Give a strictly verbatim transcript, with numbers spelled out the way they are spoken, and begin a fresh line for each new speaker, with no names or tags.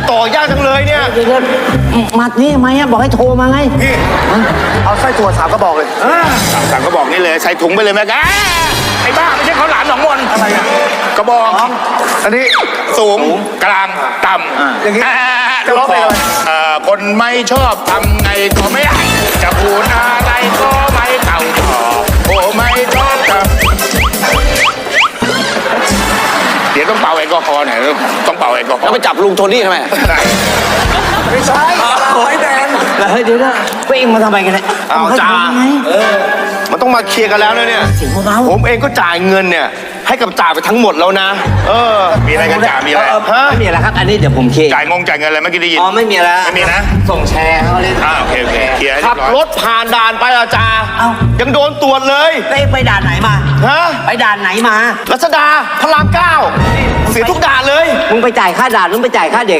ต่อยากจังเลยเนี่ย
เดี๋ยวมัดนี่ทำไมอะบอกให้โทรมาไง
พี่เอาไส้ถั่วสามกระบอกเลย
สั่งกระบอกนี่เลยใส่ถุงไปเลยแม่แกไอ้บ้าไม่ใช่ข้าวหลามหนองมนอะไรอะกระบอก
อันนี้
สูงกลางต่ำ
อย่างนี้
จะร้องเพลงอะไรคนไม่ชอบทำไงก็ไม่ได้จะพูดอะไรก็ไม่เต่าต่อโอ้ไม่ชอบทำเดี๋ยวต้องเป่าแอลกอฮอล์หน่อยต้องเป่าแอลกอฮอ
แล้ว
ล์
ไปจับลุงโทนี่ทำไม
ได้
ไม่ใช่ไอ้แดง
เฮ้ยเดี๋ยวนะไปเองมาทำไมกันเนี่ย
เอาจ้า
ไง
มันต้องมาเคลียร์กันแล้วนะเนี่ย
เสียงเบาๆ
ผมเองก็จ่ายเงินเนี่ยให้กับจ่าไปทั้งหมดแล้วนะ เออ
มีอะไรกันจ่ามีอะไร
ฮะ
ไม่มีอะไรครับ อันนี้เดี๋ยวผมเคลียร์
จ่ายงงจ่ายเงินอะไรเมื่อกี้ได้ยิน
อ๋อไม่มีแล้ว
ไม่มีนะ
ส่งแชร์เขาเล่น
อ่าโอเคโอเคเคลียร์ให้เรี
ขั
ย
บบ
ร้อย
รถผ่านด่านไปอาจา
เอ้า
ยังโดนตรวจเลย
ไปไปด่านไหนมา
ฮะ
ไปด่านไหนมา
รัชดาพระรามเก้าเสียทุกด่านเลย
มึงไปจ่ายค่าด่านมึงไปจ่ายค่าเด็ก